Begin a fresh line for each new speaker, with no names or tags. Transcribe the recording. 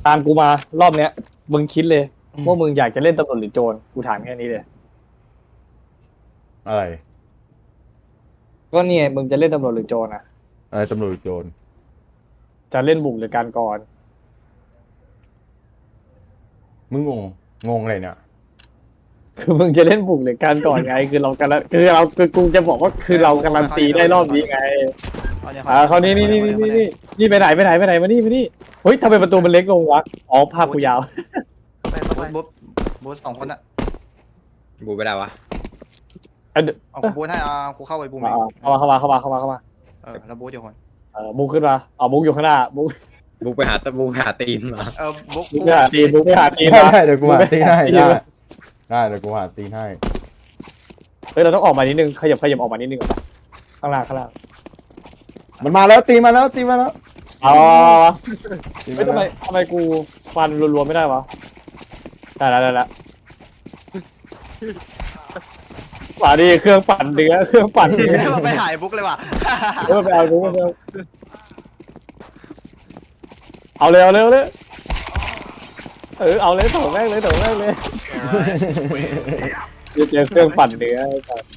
ตามกูมารอบเนี้ยมึงคิดเลยว่ามึงอยากจะเล่นตำรวจหรือโจรกูถามแค่นี้เลย
อะไร
ก็เนี่ยมึงจะเล่นตำรวจหรือโจรอ่ะ
อะไรตำรวจโจร
จะเล่นบุกหรือการกร
มึงงงอะไรเนี่ย
คือมึงจะเล่นบุกหรือการก่อนไงคือเรากำลังคือกูจะบอกว่าคือเรากำลังตีได้รอบนี้ไงเขานี่ไปไหนมานี่เฮ้ยทำไมประตูมันเล็กลงวะอ๋อภาพกูยาว
บูทสองคนอ่ะ
บูไม่ได้วะ
เอาบูทให้กูเข้าไปบูม
เข้ามา
แล้วบูทอยู่คน
บุกขึ้นมาบุกอยู่ข้างหน้าบุก
บูไปหาตีนมา
บุ๊ก
บุกไปหาตีนบุกไปหาตีน
ได้เดี๋ยวกูหาตีให้ได้เดี๋ยวกูหาตีให้
เฮ้ยเราต้องออกมานิดนึงขยับออกมานิดนึงข้างล่าง
มันมาแล้วตีมาแล้ว
อ๋อ
ตี
ไม่
มาแล้ว
ทำไมกูฟันรัวๆไม่ได้วะได้แล้วว่าดิเครื่องปั่นเนื้อ
ไปหายบุ๊กเลยว่ะ
ไปเอาบุกเอาเลยเอาเลยถงแม่งเลยเจอเครื่องปั่นเนื้อ